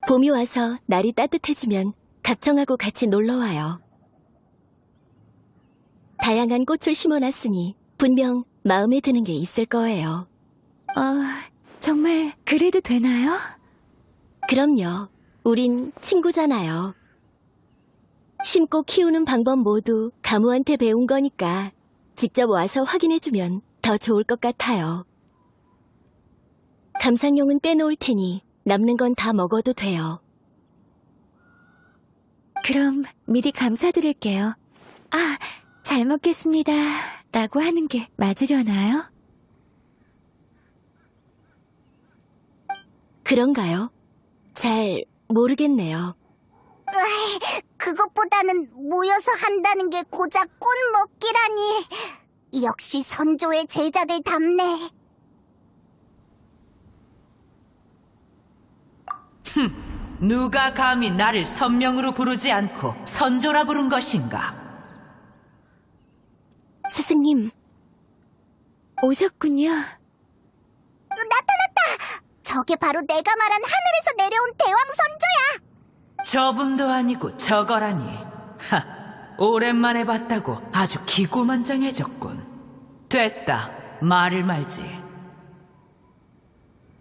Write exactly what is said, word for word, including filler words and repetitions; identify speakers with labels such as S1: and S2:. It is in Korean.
S1: 봄이 와서 날이 따뜻해지면 각청하고 같이 놀러와요. 다양한 꽃을 심어놨으니 분명 마음에 드는 게 있을 거예요.
S2: 어, 정말 그래도 되나요?
S1: 그럼요. 우린 친구잖아요. 심고 키우는 방법 모두 가무한테 배운 거니까 직접 와서 확인해주면 더 좋을 것 같아요. 감상용은 빼놓을 테니 남는 건 다 먹어도 돼요.
S2: 그럼 미리 감사드릴게요. 아, 잘 먹겠습니다. 라고 하는 게 맞으려나요?
S1: 그런가요? 잘 모르겠네요.
S3: 으이, 그것보다는 모여서 한다는 게 고작 꽃 먹기라니. 역시 선조의 제자들 답네.
S4: 누가 감히 나를 선명으로 부르지 않고 선조라 부른 것인가?
S1: 스승님,
S2: 오셨군요.
S3: 나타났다! 저게 바로 내가 말한 하늘에서 내려온 대왕 선조야!
S4: 저분도 아니고 저거라니. 하, 오랜만에 봤다고 아주 기고만장해졌군. 됐다, 말을 말지.